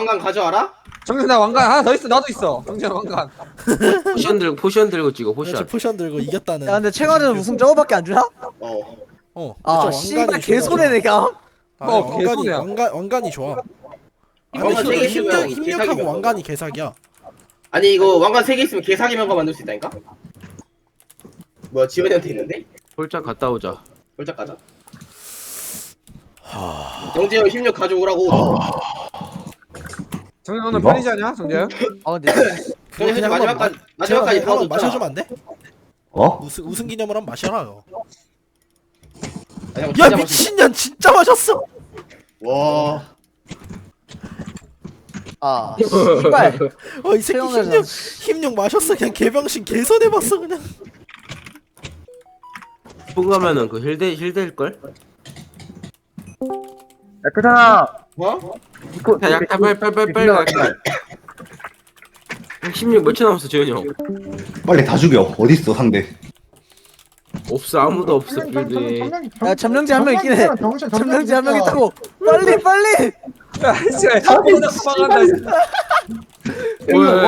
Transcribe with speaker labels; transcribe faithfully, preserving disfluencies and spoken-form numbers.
Speaker 1: 왕관 가져와라.
Speaker 2: 정준 나 왕관 하나 더 있어. 나도 있어. 정준 왕관.
Speaker 3: 포션 들고 포션 들고 찍어
Speaker 4: 그렇지
Speaker 3: 포션.
Speaker 4: 포션 들고 이겼다는.
Speaker 5: 야 근데 최강전 우승 저거밖에 안 주나?
Speaker 1: 어.
Speaker 4: 어.
Speaker 5: 아
Speaker 4: 그쵸,
Speaker 5: 씨발
Speaker 4: 왕관이
Speaker 5: 개소네
Speaker 4: 좋아.
Speaker 5: 내가.
Speaker 4: 아,
Speaker 2: 어,
Speaker 4: 왕관이
Speaker 2: 개소리야.
Speaker 4: 왕관 왕관이 좋아. 아니
Speaker 1: 왕관
Speaker 4: 힘,
Speaker 1: 세개
Speaker 4: 힘력
Speaker 1: 있으면
Speaker 4: 힘력하고
Speaker 1: 개사기면
Speaker 4: 왕관이 개사기야.
Speaker 1: 아니 이거 왕관 세 개 있으면 개사기 명가 만들 수 있다니까? 뭐야 지원이한테 있는데?
Speaker 3: 홀짝 갔다 오자.
Speaker 1: 홀짝 가자. 정재현 힘력 가져오라고.
Speaker 2: 정준 오늘
Speaker 6: 이거?
Speaker 2: 편의지 않냐? 정준?
Speaker 5: 아 근데
Speaker 1: 정재
Speaker 4: 그냥
Speaker 1: 마지막까지
Speaker 4: 제가
Speaker 1: 마지막까지
Speaker 4: 그냥 한번
Speaker 1: 더
Speaker 4: 마셔주면 안 돼?
Speaker 6: 어?
Speaker 4: 우승 우승 기념으로 한번 마셔라.
Speaker 1: 야
Speaker 4: 야 미친년 진짜 마셨어.
Speaker 1: 와.
Speaker 5: 아 씨발
Speaker 4: 어 이 새끼
Speaker 5: 최강전
Speaker 4: 힘력 힘력 마셨어. 그냥 개병신 개선해봤어 그냥.
Speaker 3: 포가면은 그 힐대 힐대일 걸?
Speaker 6: 야 크잖아.
Speaker 1: 뭐?
Speaker 3: 야 약탈 빨리 빨리 빨리 빨리 약탈. 십육 몇 초 남았어 재현이 형.
Speaker 6: 빨리 다 죽여. 어딨어 상대?
Speaker 3: 없어 아무도 없어 빌드에.
Speaker 5: 야 점령지 한 명 있긴 해. 점령지 한 명 있다고. 빨리 빨리.
Speaker 2: 야 씨발. 도망간다.
Speaker 3: 왜?